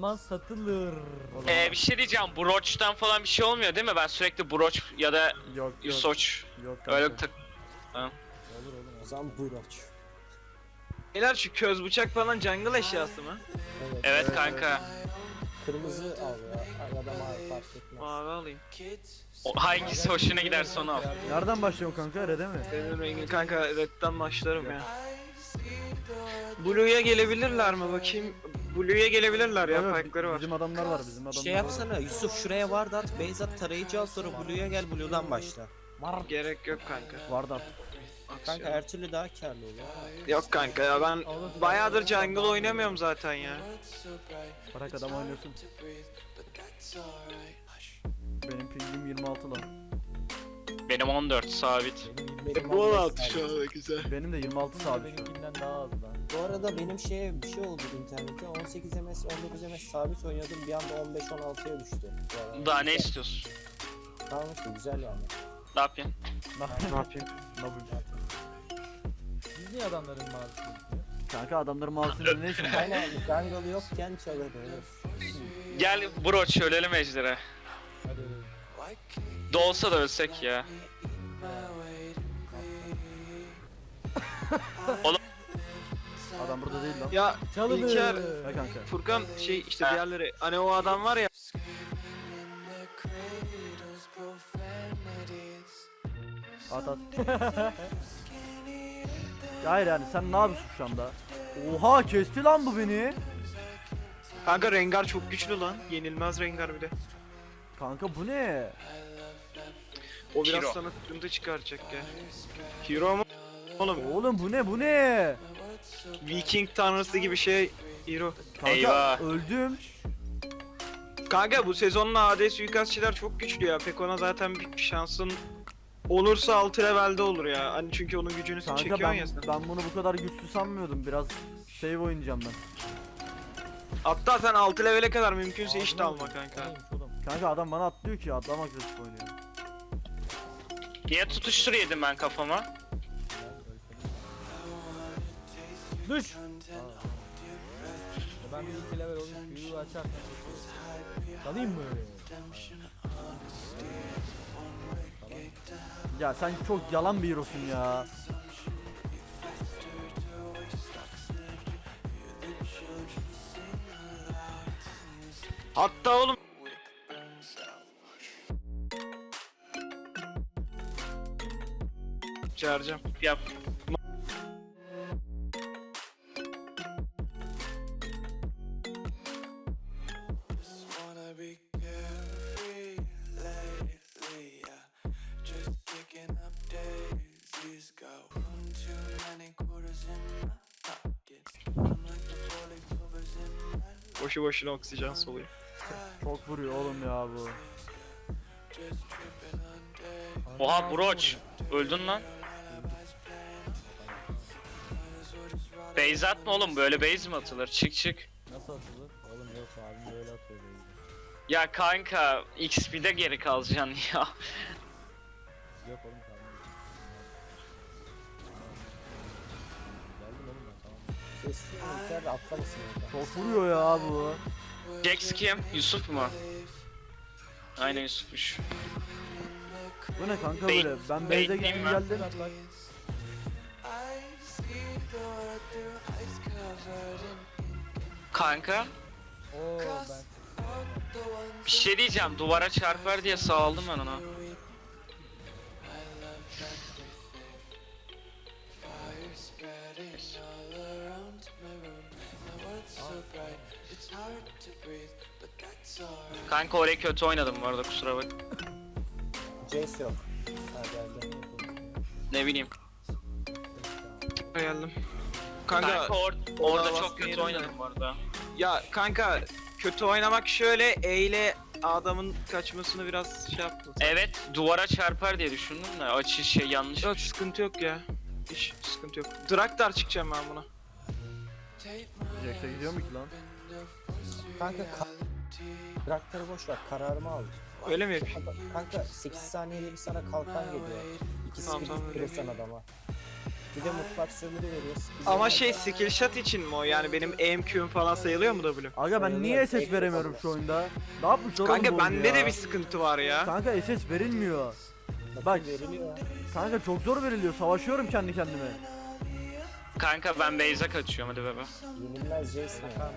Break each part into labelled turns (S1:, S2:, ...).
S1: zaman satılır.
S2: Bir şey diyeceğim. Broach'tan falan bir şey olmuyor değil mi? Ben sürekli Broach ya da
S3: Yok
S2: Yusoç
S3: Yok kanka.
S2: öyle tak.
S1: Olur oğlum.
S4: O zaman Buraç.
S5: Beyler şu köz bıçak falan jungle eşyası mı?
S2: Evet kanka.
S4: Kırmızı al ya. Ya da mavi fark etmez.
S5: Mavi alayım.
S2: Hangisi hoşuna giderse onu al.
S3: Nereden başlıyorsun kanka? Red'e mi?
S5: Senin rengin kanka, redden başlarım ya. Blue'ya gelebilirler mi bakayım? Blue'ya gelebilirler ya,
S3: Yok,
S5: pike'ları var.
S3: Bizim adamlar var, bizim adamlar
S6: Şey yapsana Yusuf, şuraya ward at, base at, tarayıcı al, sonra Blue'ya gel, Blue'dan başla.
S5: Gerek yok kanka.
S3: Vardı artık.
S6: Kanka her türlü daha karlı olur.
S5: Yok kanka ya, ben bayağıdır jungle oynamıyorum zaten ya.
S3: Bırak adam oynasın. Benim pingim 26 lan.
S2: Benim 14 sabit.
S4: Benim
S5: 16
S4: 15
S5: şu anda güzel.
S3: Benim de 26 sabit.
S1: Benimkinden daha az lan.
S4: Bu arada benim şeye bir şey oldu internette. 18 ms 19 ms sabit oynuyordum. Bir anda 15-16'ya düştü. Bu arada.
S2: Daha ne istiyorsun?
S4: Tamam işte güzel yani.
S2: Ne yapayım?
S5: Ne yapayım?
S1: Biz niye adamların mağazasını yapıyoruz?
S3: Kanka adamların mouse'un ne işin var?
S4: Aynen jungle yokken çalır olur.
S2: Gel Broach ölelim ejdere.
S1: Hadi öyle.
S2: Dolsa da ölsek ya.
S3: Adam burada değil lan.
S5: Ya
S1: Çalınır.
S5: İlker,
S3: Ha kanka.
S5: Furkan şey işte diğerleri, hani o adam var ya.
S3: At at. Ya hayır yani sen ne yapıyorsun şu anda? Oha kesti lan bu beni.
S5: Kanka Rengar çok güçlü lan. Yenilmez Rengar bir de.
S3: Kanka bu ne?
S5: O biraz
S2: Hero.
S5: sana sıkıntı çıkaracak ya. Hero mu? Oğlum
S3: Oğlum bu ne bu ne?
S5: Viking tanrısı gibi şey Hero.
S3: Kanka
S2: Eyvah.
S3: öldüm.
S5: Kanka bu sezonun AD suikastçiler çok güçlü ya. Pek ona zaten bir şansın olursa 6 levelde olur ya. Hani çünkü onun gücünü
S3: Kanka
S5: çekiyorsun ya sen.
S3: ben bunu bu kadar güçlü sanmıyordum. Biraz save oynayacağım ben.
S5: Hatta sen 6 levele kadar mümkünse hiç de alma kanka.
S1: Neymiş oğlum?
S3: Kanka adam bana atlıyor ki adam agresif oynuyor.
S2: Niye tutuştur yedim ben kafama?
S1: Düş! Ben bir iki level olmuş büyüğü açarsam dalayım mı?
S3: Ya sen çok yalan bir hero'sun ya.
S5: Hatta oğlum çağıracağım.
S2: Yap.
S7: Wanna be carefree lately, yeah. Just kicking up daisies. Got one too many quarters in my pockets. I'm like the poorly covers in my
S5: Boşu boşuna oksijen soluyor.
S3: Çok vuruyor oğlum ya bu.
S7: just tripping on days.
S2: Oha Broach. Öldün lan. Base atma oğlum, böyle base mi atılır? Çık çık.
S1: Nasıl atılır? Oğlum yok abim böyle atıyor böyle.
S2: Ya kanka XP'de geri kalacaksın ya.
S1: Yok oğlum tamam. Geldim oğlum ben tamam.
S4: Kestin mi? İlker de atlamasın orada.
S3: Çok vuruyor ya bu.
S2: Jax kim? Yusuf mu? Aynen Yusuf'muş.
S3: Bu ne kanka
S2: Bey-
S3: böyle? Ben base'e
S2: bekleyeyim
S3: gittim
S2: ben.
S3: geldim.
S1: Bak bak.
S2: Kanka
S1: Oo ben.
S2: bir şey diyeceğim, duvara çarpar diye sağladım ben ona.
S7: Spreading all around my room. My world's so bright, it's hard to breathe, but that's alright.
S2: Kanka orayı kötü oynadım bu arada, kusura bak.
S4: Jace yok. Ha geldi.
S2: Ne bileyim.
S5: Geldim.
S2: Kanka
S5: Kanka
S2: orada
S5: baskın
S2: çok kötü
S5: yedim
S2: oynadım bu arada.
S5: ya kanka kötü oynamak şöyle, E ile adamın kaçmasını biraz şey yaptın.
S2: Evet, duvara çarpar diye düşündüm de açı şey yanlış.
S5: Yok sıkıntı yok ya. Hiç sıkıntı yok. Draktar çıkacağım ben buna.
S3: Jax'e gidiyor mu ki lan?
S4: Kanka Traktörü boş ver, kararımı al.
S5: Öyle mi yapayım?
S4: Kanka 8 saniyede bir sana kalkan geliyor. 2
S5: Tamam,
S4: skill
S5: tamam, öyle
S4: tutturursan adama. Bir de mutlak sömürü veriyoruz.
S5: Ama şey skill shot için mi o? Yani benim EMQ'm falan sayılıyor mu W?
S3: Aga ben niye SS veremiyorum şu oyunda? Ne yapmışlar oğlum bu
S5: Kanka
S3: oyunu
S5: bende
S3: ya?
S5: de bir sıkıntı var ya.
S3: Kanka SS verilmiyor.
S4: Bak veriliyor.
S3: Kanka çok zor veriliyor. Savaşıyorum kendi kendime.
S2: Kanka ben base'e kaçıyorum hadi bebe.
S4: Yenilmez Jason ya.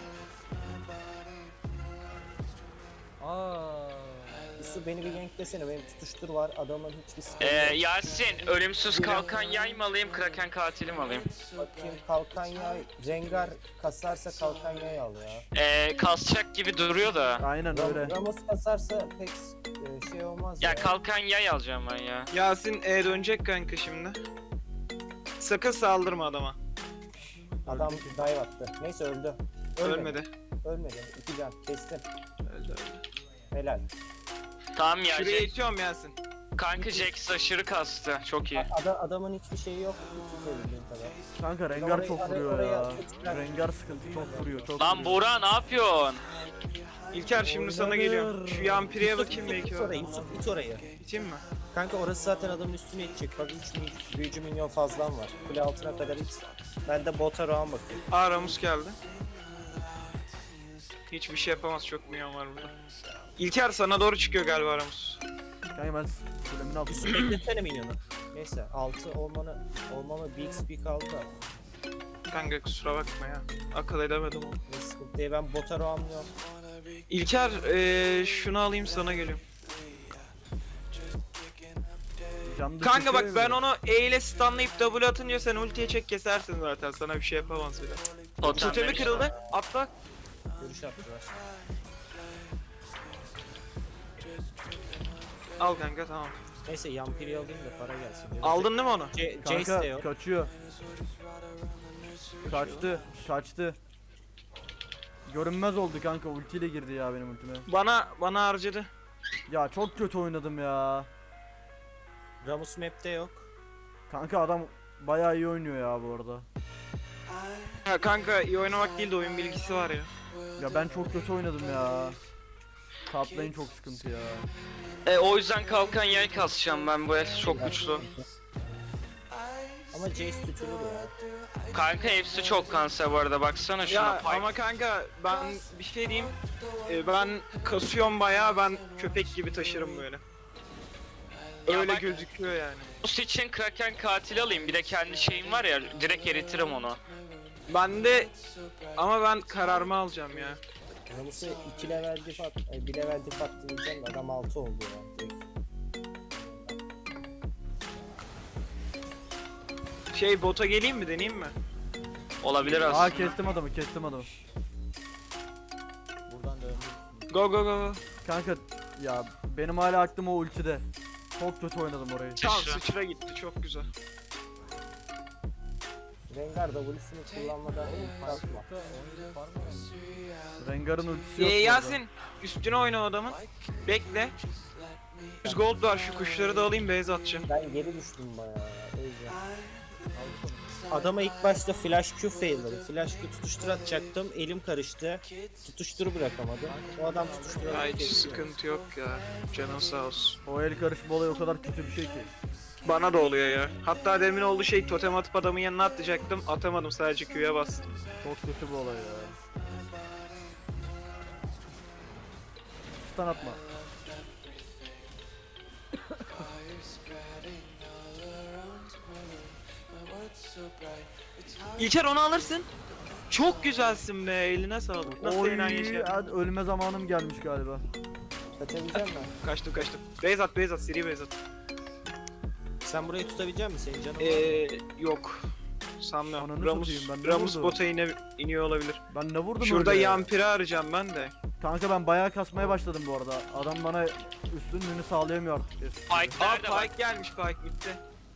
S1: Aa.
S4: Yusuf beni bir ganklesene, benim tutuştur var, adamın hiçbir sıkıntı yok.
S2: Yasin ölümsüz kalkan yay mı alayım kraken katili mi alayım?
S4: Bakayım kalkan yay, Rengar kasarsa kalkan yay al ya.
S2: Kasacak gibi duruyor da.
S3: Aynen öyle.
S4: Ramos kasarsa pek şey olmaz
S2: Ya kalkan yay alacağım ben ya.
S5: Yasin dönecek kanka şimdi. Sakın saldırma adama.
S4: Adam dive attı. Neyse öldü.
S5: Ölmedi.
S4: Ölmedi. 2 can. Kestim.
S5: Öldü.
S4: Helal.
S2: Tamam ya.
S5: Şuraya itiyorum Yasin.
S2: Kanka Jax aşırı kastı. Çok iyi.
S4: Adamın hiçbir şeyi yok. Tutabildiğin kadar.
S3: Kanka Rengar çok vuruyor
S4: oraya
S3: ya.
S4: atıyor.
S3: Rengar sıkıntı çok vuruyor. Çok
S2: Lan
S3: vuruyor.
S2: Buğra ne yapıyorsun?
S5: İlker şimdi sana geliyorum. Şu yampiriye bakayım belki
S6: İt
S5: var.
S6: orayı, Yusuf it orayı.
S5: İteyim mi?
S4: Kanka orası zaten adamın üstüne itecek. Bak 3 büyücü minyon fazlan var. Kule altına kadar it. Ben de bota round bakayım.
S5: Aa Ramus geldi. Hiçbir şey yapamaz, çok milyon var burada. İlker sana doğru çıkıyor galiba Ramus.
S3: Kanka ben kulemin altında.
S6: Yusuf bekletsene minyonu.
S4: Neyse 6 olmamı bir XP kaldı da.
S5: Kanka kusura bakma ya. Akıl edemedim onu.
S4: Ne sıkıntı değil, ben bota roundluyorum.
S5: İlker şunu alayım sana geliyorum.
S3: Canlı
S5: Kanka bak
S3: çekiyor
S5: ben
S3: ya.
S5: onu E ile stunlayıp W atınca sen ultiye çek kesersin zaten. Sana bir şey yapamaz bile.
S2: Totem
S5: Totemi
S2: demiş.
S5: kırıldı. Atla.
S4: Görüş attılar.
S5: Al kanka tamam.
S4: Neyse Yampiri alayım da para gelsin.
S5: Aldın değil mi onu?
S4: Jace de
S3: Kanka
S4: yok.
S3: kaçıyor. Kaçtı. Görünmez oldu kanka, ultiyle girdi ya benim ultime.
S5: Bana harcadı.
S3: Ya çok kötü oynadım ya.
S4: Ramus map'te yok.
S3: Kanka adam bayağı iyi oynuyor ya bu arada.
S5: Ha kanka iyi oynamak değil de oyun bilgisi var ya.
S3: Ya ben çok kötü oynadım ya. Top lane çok sıkıntı ya.
S2: O yüzden kalkan yay kasacağım ben bu el çok güçlü.
S4: Ama Jace tutulur ya.
S2: Kanka hepsi çok kanser bu arada baksana şuna.
S5: Ya
S2: Pipe.
S5: ama kanka ben bir şey diyeyim. Ben kasıyorum bayağı, ben köpek gibi taşırım böyle.
S2: Ya
S5: Öyle
S2: bak-
S5: gözüküyor yani.
S2: Bu için kraken katili alayım bir de kendi şeyim var ya direkt eritirim onu.
S5: Ben de ama ben kararımı alacağım ya.
S4: Ramus'u 2 level diff at, 1 level diff attı diyeceğim de adam 6 oldu ya. Direkt.
S5: Şey bota geleyim mi, deneyeyim mi?
S2: Olabilir aslında.
S3: Aa kestim adamı.
S1: Buradan döndüm.
S5: Go go go.
S3: Kanka ya benim hala aklım o ultide. Çok kötü oynadım orayı.
S5: Tamam
S2: Sıçra.
S5: sıçra gitti, çok güzel.
S4: Rengar W'sunu kullanmadan kalkma.
S1: Oyun farm mı?
S3: Rengar'ın ultisi yok. bu arada.
S5: Yasin üstüne oyna o adamın. Bekle. 100 gold var, şu kuşları da alayım, base atacağım.
S4: Ben geri düştüm bayağı ya. O yüzden. Adama ilk başta flash Q fail'ladı. Flash Q tutuştur atacaktım. Elim karıştı. Tutuşturu bırakamadım. O adam tutuşturarak
S5: Ya hiç
S4: kesiyor.
S5: sıkıntı yok ya. Canın sağ olsun.
S3: O el karışma olayı o kadar kötü bir şey ki.
S5: Bana da oluyor ya. Hatta demin oldu şey, totem atıp adamın yanına atlayacaktım. Atamadım, sadece Q'ya bastım.
S3: Çok kötü bir olay ya. Stun atma.
S5: İlker onu alırsın. Çok güzelsin be, eline sağlık. Nasıl
S3: Oy,
S5: eğlen yaşa.
S3: hadi ölme zamanım gelmiş galiba.
S4: Kaçabilecek misin?
S5: Kaçtım. Base at, seri base at.
S4: Sen burayı tutabilecek misin? Senin canın var mı?
S5: Yok. Sanmıyorum.
S3: Ananı
S5: Ramus,
S3: satayım, ben ne
S5: Ramus
S3: vurdum?
S5: bota iniyor olabilir.
S3: Ben ne vurdum
S5: Şurada
S3: öyle ya?
S5: yampiri arayacağım ben de.
S3: Kanka ben bayağı kasmaya başladım bu arada. Adam bana üstünlüğünü sağlayamıyor artık.
S2: Pike
S5: Aa
S2: nerede bak?
S5: Pike gelmiş, Pike bitti.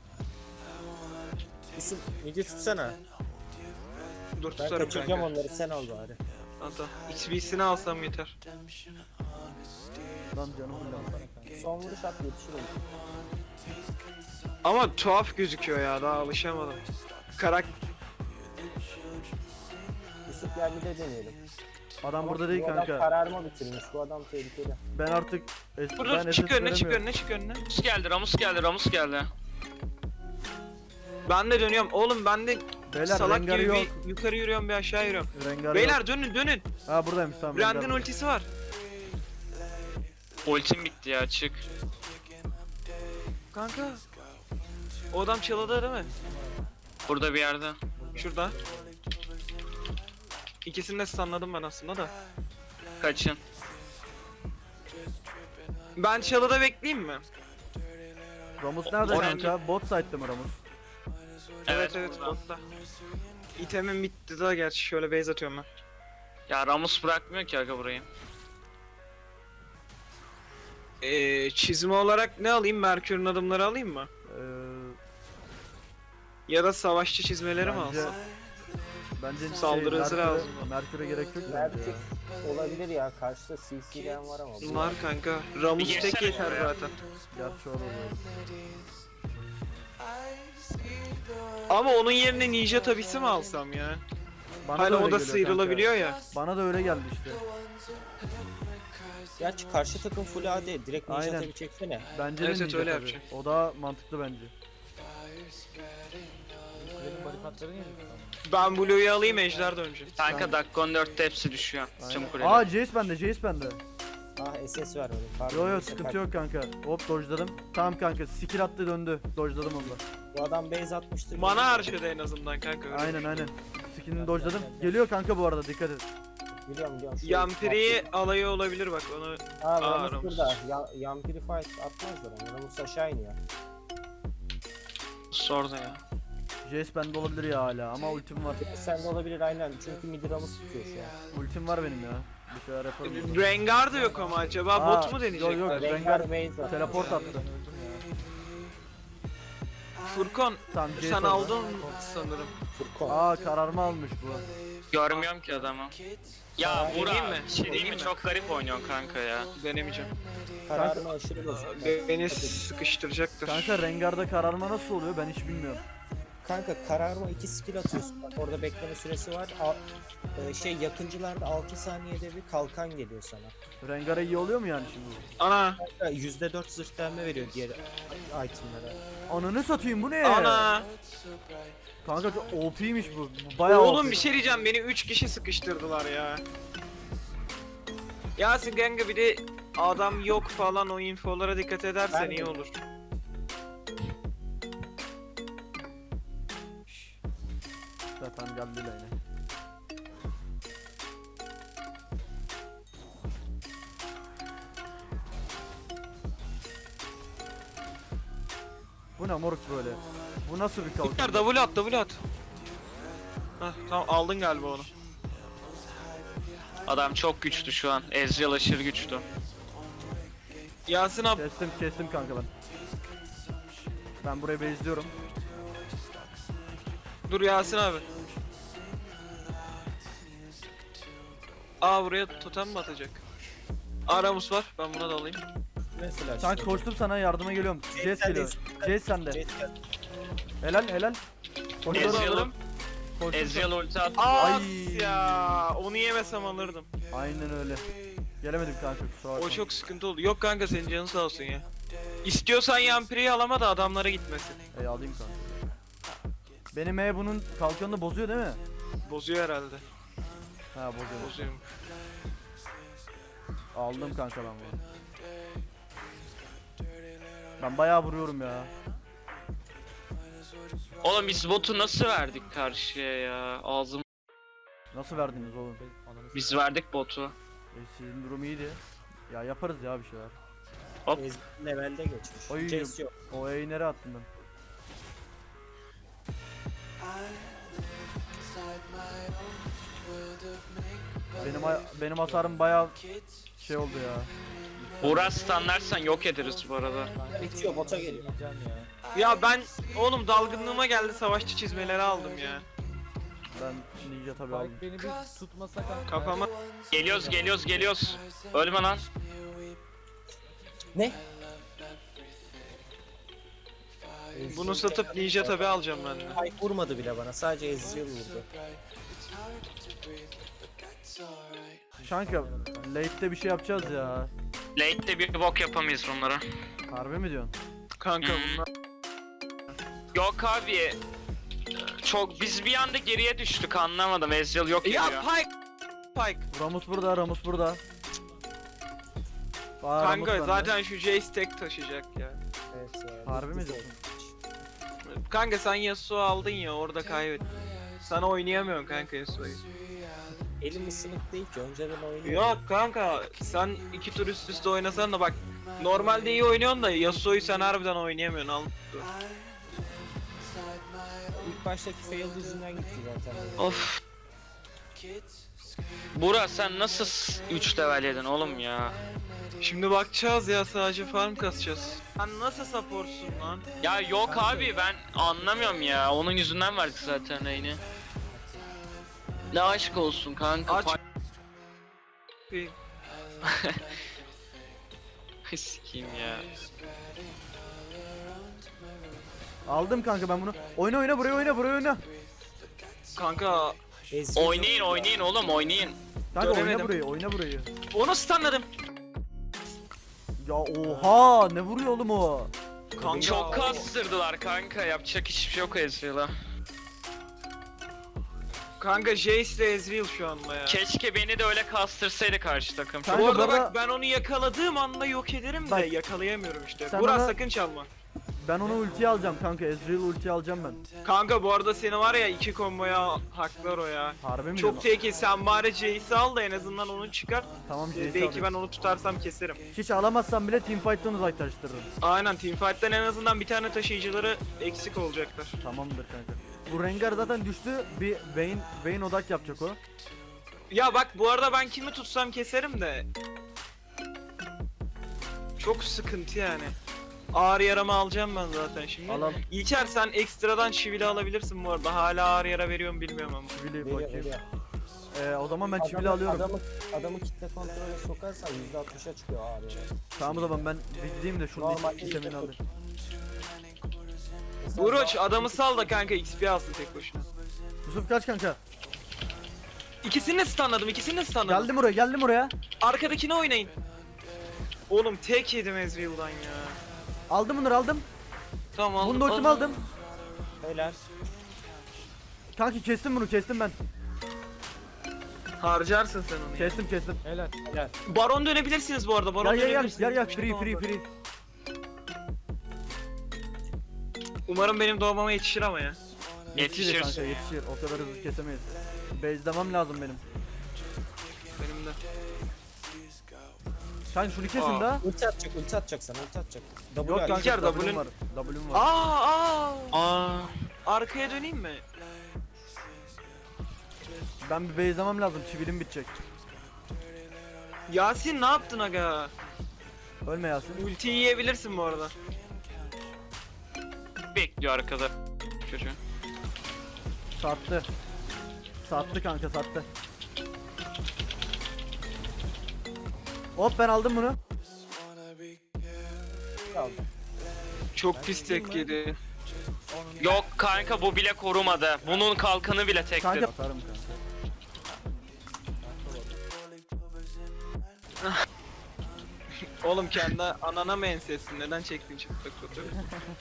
S4: İsim, midi tutsana.
S5: Dur
S4: Ben
S5: tutarım
S4: kaçıracağım
S5: kanka.
S4: onları, sen al bari.
S5: Hatta XB'sini alsam yeter.
S3: Lan canım fırladı.
S4: Son vuruş at, yetişir olur.
S5: Ama tuhaf gözüküyor ya, daha alışamadım.
S4: Yusuf gel bir de deneyelim.
S3: Adam
S4: Ama
S3: burada değil
S4: bu adam
S3: kanka.
S4: kararıma bitirmiş. Bu adam tehlikeli.
S3: Ben artık
S5: Dur çık önüne, çık önüne, çık önüne.
S2: Ramus geldi.
S5: Ben de dönüyorum. Oğlum ben de
S3: Beyler
S5: salak
S3: Rengar
S5: gibi
S3: yok.
S5: bir yukarı yürüyorum bir aşağı yürüyorum.
S3: Rengar
S5: Beyler
S3: yok.
S5: dönün.
S3: Ha buradaymış tamam.
S5: Brand'in
S3: Rengar.
S5: ultisi var.
S2: Ultim bitti ya, çık.
S5: Kanka. O adam çalıda değil mi?
S2: Burada bir yerde.
S5: Şurada. İkisini de stunladım ben aslında da.
S2: Kaçın.
S5: Ben çalıda bekleyeyim mi?
S3: Ramus nerede
S2: Orange-
S3: kanka? Bot side'de mi Ramus?
S5: Evet
S2: burada.
S5: botta. İtemim bitti daha gerçi şöyle base atıyorum ben.
S2: Ya Ramus bırakmıyor ki aga burayı.
S5: Çizme olarak ne alayım? Merkür'ün adımları alayım mı?
S3: Ee,
S5: Ya da savaşçı çizmeleri mi
S3: bence,
S5: alsam?
S3: bence
S5: Saldırı hızı lazım.
S3: Merkür'e gerek yok bence
S4: Merkür
S3: ya.
S4: olabilir ya. Karşıda CC'den var ama. bu-
S5: Var kanka. Ramus
S2: Bir
S5: tek
S2: girsene
S5: yeter
S2: şuraya.
S5: zaten.
S3: Gerçi olur.
S5: Ama onun yerine ninja tabisi mi alsam ya?
S3: Bana
S5: Hani
S3: öyle
S5: o da
S3: geliyor
S5: sıyrılabiliyor ya.
S3: kanka. Bana da öyle geldi işte.
S4: Gerçi karşı takım full AD. Direkt ninja
S3: Aynen.
S4: tabi çeksene.
S3: Bence
S5: Evet,
S3: de
S5: evet,
S3: ninja
S5: öyle
S3: tabii.
S5: yapacağım.
S3: O da mantıklı bence.
S1: Benim barikatların yedik.
S5: Ben Blue'yu alayım ejder de önce.
S2: Kanka dakika 14'te hepsi düşüyor. Tüm kuleler.
S3: Aa Jace bende, Jace bende.
S4: Ah SS ver öyle. Pardon.
S3: Yo yo sıkıntı yok kanka. Hop dodge'ladım. Tamam kanka skill attı döndü. Dodge'ladım onu da.
S4: Bu adam base atmıştır.
S5: Mana harcadı en azından kanka. öyle.
S3: Aynen. Skill'ini dodge'ladım. Geliyor kanka bu arada dikkat et.
S4: Biliyorum.
S5: Yampiri alayı olabilir bak onu.
S4: Aa
S5: Ramus.
S4: Ramus burada. Yampiri fight atmazlar onu. Ramus aşağı iniyor.
S2: Sordu ya.
S3: Jace bende olabilir ya hala ama ultim var.
S4: Sen de olabilir aynen. Çünkü mid Ramus tutuyor şu an.
S3: Ultim var benim ya. Bir şeyler yaparım. burada.
S5: Rengar da yok ama acaba
S3: Aa,
S5: bot mu deneyecekler?
S3: yok, yok.
S4: Rengar
S3: Rengar
S4: base at.
S3: teleport attı.
S5: Furkan
S3: Tamam Jace
S5: sen
S3: orada.
S5: aldın sanırım.
S4: Furkon.
S3: Aa kararma almış bu.
S2: Görmüyorum ki adamı. Ya
S5: Deneyeyim
S2: Burak,
S5: mi?
S2: bir şey diyeyim mi?
S5: Deneyeyim mi?
S2: Çok garip oynuyorsun kanka ya.
S5: Denemeyeceğim.
S4: Kararını aşırı bozuk.
S5: Beni sıkıştıracaktır.
S3: Kanka Rengar'da kararma nasıl oluyor ben hiç bilmiyorum.
S4: Kanka kararma 2 skill atıyorsun. Bak orada bekleme süresi var. Yakıncılarda 6 saniyede bir kalkan geliyor sana.
S3: Rengar'a iyi oluyor mu yani şimdi?
S5: Ana.
S4: Kanka %4 zırh delme veriyor diğer itemlara.
S3: Ananı satayım bu ne?
S5: Ana.
S3: Kanka çok OP'ymiş bu. Bu bayağı
S5: Oğlum
S3: OP.
S5: bir şey diyeceğim beni 3 kişi sıkıştırdılar ya. Yasin kanka bir de adam yok falan o infolara dikkat edersen
S4: Ben de-
S5: iyi olur.
S3: Zaten geldi yine. Bu ne moruk böyle? Bu nasıl bir
S5: Kurtar
S3: kalkan?
S5: double at. Hah tamam aldın galiba onu.
S2: Adam çok güçlü şu an. Ezreal aşırı güçlü.
S5: Yasin abi
S3: Kestim kanka ben. Ben burayı base'liyorum.
S5: dur Yasin abi. Aa buraya totem mi atacak? Aramus var ben buna da alayım.
S4: Mesela
S3: Kanka koştum sana yardıma geliyorum. Jace geliyor. Jace sende. Helal. Koşuyorum.
S2: Ezreal'ım.
S3: Koştum
S2: Ezreal ulti attı.
S5: Aa
S3: Ay.
S5: ya onu yemesem alırdım.
S3: sana. Aynen öyle. Gelemedim kanka kusura bakma.
S5: O çok sıkıntı oldu. Yok kanka senin canın sağ olsun ya. İstiyorsan Yampiri'yi alama da adamlara gitmesin.
S3: Alayım kanka. Benim bunun kalkanını bozuyor değil mi?
S5: Bozuyor herhalde.
S3: Ha bozuyor.
S5: Bozuyor.
S3: Aldım kanka ben bunu. Ben bayağı vuruyorum ya.
S2: Oğlum biz botu nasıl verdik karşıya ya? Ağzım.
S3: Nasıl verdiniz oğlum?
S2: Biz verdik botu.
S3: Sizin durum iyiydi. Ya yaparız ya bir şeyler.
S4: levelde geçmiş.
S3: Oy.
S4: Jace yok.
S3: O E'yi nereye attın ben? Benim hasarım bayağı şey oldu ya.
S2: Burak stunlarsan yok ederiz bu arada.
S4: Bitiyor bota geliyor.
S1: Can ya.
S5: Ya ben oğlum dalgınlığıma geldi savaşçı çizmeleri aldım ya.
S3: Ben ninja tabi aldım.
S1: Spike beni bir tutmasa kanka.
S5: Kafama
S2: Geliyoruz. Ölme lan.
S4: Ne?
S5: bunu satıp ninja tabi alacağım ben de.
S4: Ay vurmadı bile bana. Sadece Ezreal vurdu.
S3: Kanka late'de bir şey yapacağız ya.
S2: Late'de bir bok yapamayız bunlara.
S3: Harbi mi diyorsun?
S5: Kanka bunlar
S2: Yok abi. Çok biz bir anda geriye düştük anlamadım. Ezreal yok
S5: Ya
S2: ediyor.
S5: Pike.
S3: Ramus burada, Ramus burada. Aa, Ramus
S5: Kanka
S3: bende.
S5: zaten şu Jace tek taşıyacak ya.
S4: Evet ya.
S3: Harbi mi
S4: bitti
S3: diyorsun?
S5: Kanka sen Yasuo aldın ya orada kaybettin. Sana oynayamıyorsun kanka Yasuo'yu.
S4: Elim ısınık değil ki önceden oynuyor.
S5: Yok kanka sen 2 tur üst üste oynasan da bak normalde iyi oynuyorsun da Yasuo'yu sen harbiden oynayamıyorsun al.
S4: İlk baştaki fail yüzünden gitti zaten.
S2: Of. Burak sen nasıl 3 level yedin oğlum ya?
S5: Şimdi bakacağız ya sadece farm kasacağız. Sen nasıl supportsun lan?
S2: Ya yok abi ben anlamıyorum ya. Onun yüzünden verdik zaten reyni. Ne aşk olsun kanka.
S5: Aç.
S2: Sikiyim ya.
S3: Aldım kanka ben bunu. Oyna oyna buraya oyna buraya oyna.
S5: Kanka
S4: Ezreal
S2: Oynayın oğlum oynayın.
S3: Kanka oyna
S5: Göremedim.
S3: burayı oyna burayı.
S5: onu stunladım.
S3: Ya oha ne vuruyor oğlum o?
S5: Kanka
S2: Çok kastırdılar kanka. Yapacak hiçbir şey yok Ezreal'a.
S5: Kanka Jace ile Ezreal şu anda ya.
S2: Keşke beni de öyle kastırsaydı karşı takım.
S3: Kanka
S5: Bu arada
S3: bana-
S5: bak ben onu yakaladığım anda yok ederim de
S3: Bak.
S5: yakalayamıyorum işte.
S3: Sen
S5: Burak
S3: bana-
S5: sakın çalma.
S3: Ben onu ultiye alacağım kanka. Ezreal ultiye alacağım ben.
S5: Kanka bu arada seni var ya 2 komboya haklar o ya.
S3: Harbi mi?
S5: Çok
S3: diyorsun?
S5: tehlikeli sen bari Jace'i al da en azından onu çıkar.
S3: Tamam Jace'i
S5: Belki
S3: alayım.
S5: ben onu tutarsam keserim.
S3: Hiç alamazsam bile teamfight'tan uzaklaştırırım.
S5: Aynen teamfight'tan en azından bir tane taşıyıcıları eksik olacaklar.
S3: Tamamdır kanka. Bu Rengar zaten düştü. Bir Vayne odak yapacak o.
S5: Ya bak bu arada ben kimi tutsam keserim de. Çok sıkıntı yani. Ağır yaramı alacağım ben zaten şimdi.
S3: Al al.
S5: İlker sen ekstradan çivili alabilirsin bu arada. Hala ağır yara veriyorum bilmiyorum ama.
S3: Çivili
S4: veriyor,
S3: bakayım.
S4: veriyor.
S3: O zaman ben çivili alıyorum.
S4: Adamı kitle kontrole sokarsan %60'a çıkıyor abi.
S3: Tamam o zaman ben bir gideyim de şunun
S4: Normal
S3: itemini
S4: değil.
S3: alayım.
S5: Buruç adamı sal da kanka XP alsın tek başına.
S3: Yusuf kaç kanka?
S5: İkisini de stunladım, ikisini de stunladım.
S3: Geldim oraya.
S5: Arkadakini oynayın. Oğlum tek yedim Ezreal'dan ya.
S3: Aldım bunları aldım.
S5: Tamam aldım.
S3: Bunu da ultimi aldım.
S4: Helal.
S3: Kanki kestim bunu kestim ben.
S5: Harcarsın sen onu.
S3: Kestim.
S4: Helal.
S5: Baron dönebilirsiniz bu arada. Baron
S3: Gel
S5: dönebilirsiniz.
S3: gel
S5: Bir şey
S3: free.
S5: olmaz. Umarım benim doğmama yetişir ama ya.
S2: Yetişir.
S3: Kanka yetişir. O kadar hızlı kesemeyiz. Base'lemem lazım benim.
S5: Benim de.
S3: Kanka şunu kesin
S5: Aa.
S3: daha.
S4: Ulti atacak sana ulti atacak.
S3: Yok
S4: W
S3: kanka
S5: İlker,
S3: W'm
S5: W'nin-
S3: var. W'm var.
S5: Aa. Arkaya döneyim mi?
S3: Ben bir base'lemem lazım. Çivilim bitecek.
S5: Yasin ne yaptın aga?
S3: Ölme Yasin.
S5: Ultiyi yiyebilirsin bu arada.
S2: Bekliyor arkada. Çocuğu.
S3: Sattı. Sattı kanka sattı. Hop ben aldım bunu.
S5: Çok pis tek yedi.
S2: Yok kanka bu bile korumadı. Bunun kalkanı bile tekti.
S3: Kanka atarım kanka.
S5: Oğlum kendi anana mı ensesin? Neden çektin çıplak fotoğrafı?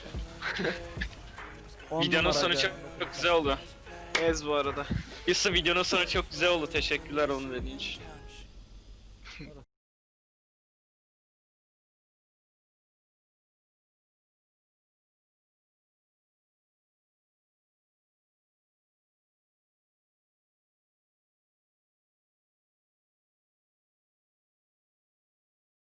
S3: 10
S2: Videonun
S3: numara
S2: sonu
S3: aga.
S2: çok güzel oldu.
S5: Ez bu arada.
S2: Yusuf videonun sonu çok güzel oldu. Teşekkürler onu dediğin için.